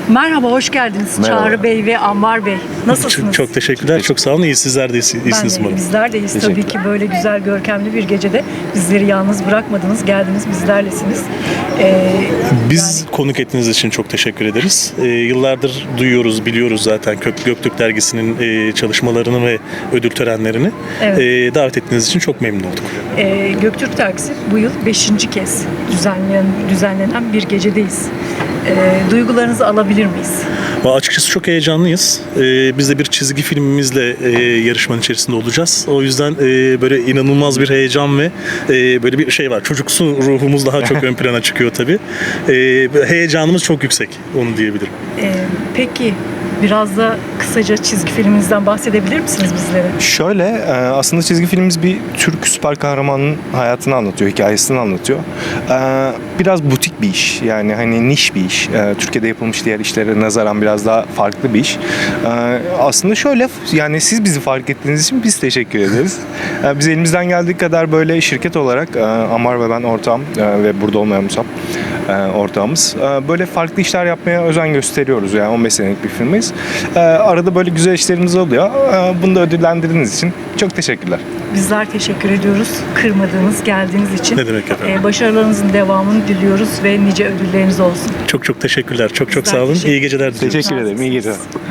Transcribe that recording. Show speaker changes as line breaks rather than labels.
Merhaba, hoş geldiniz
Merhaba.
Çağrı Bey ve Ammar Bey. Nasılsınız?
Çok teşekkürler. Çok sağ olun. İyi, sizler de
Ben
iyisiniz
de,
umarım.
bizler deyiz tabii
Teşekkürler.
ki böyle güzel görkemli bir gecede bizleri yalnız bırakmadınız, geldiniz bizlerlesiniz.
Biz konuk ettiğiniz için çok teşekkür ederiz. Yıllardır duyuyoruz, biliyoruz zaten Göktürk Dergisi'nin çalışmalarını ve ödül törenlerini.
Evet.
Davet ettiğiniz için çok memnun olduk.
Göktürk Dergisi bu yıl 5. kez düzenlenen bir gecedeyiz. Duygularınızı alabilir miyiz?
Açıkçası çok heyecanlıyız. Biz de bir çizgi filmimizle yarışmanın içerisinde olacağız. O yüzden böyle inanılmaz bir heyecan ve böyle bir şey var. Çocuksu ruhumuz daha çok ön plana çıkıyor tabii. Heyecanımız çok yüksek, onu diyebilirim.
Peki biraz da kısaca çizgi filminizden bahsedebilir misiniz bizlere?
Şöyle, aslında çizgi filmimiz bir Türk süper kahramanın hayatını anlatıyor, hikayesini anlatıyor. Biraz butik bir iş, yani hani niş bir iş. Türkiye'de yapılmış diğer işlere nazaran biraz daha farklı bir iş. Aslında şöyle, yani siz bizi fark ettiğiniz için biz teşekkür ederiz. Biz elimizden geldiği kadar böyle şirket olarak, Ammar ve ben ortağım ve burada olmayan Musab ortağımız. Böyle farklı işler yapmaya özen gösteriyoruz. Yani 15 senelik bir firmayız. Arada böyle güzel işlerimiz oluyor. Bunu da ödüllendirdiğiniz için çok teşekkürler.
Bizler teşekkür ediyoruz. Kırmadığınız, geldiğiniz için.
Ne demek efendim?
Başarılarınızın devamını diliyoruz ve nice ödülleriniz olsun.
Çok teşekkürler. Çok
Bizler
sağ olun.
teşekkür
İyi geceler diliyorum.
Teşekkür ederim. İyi geceler.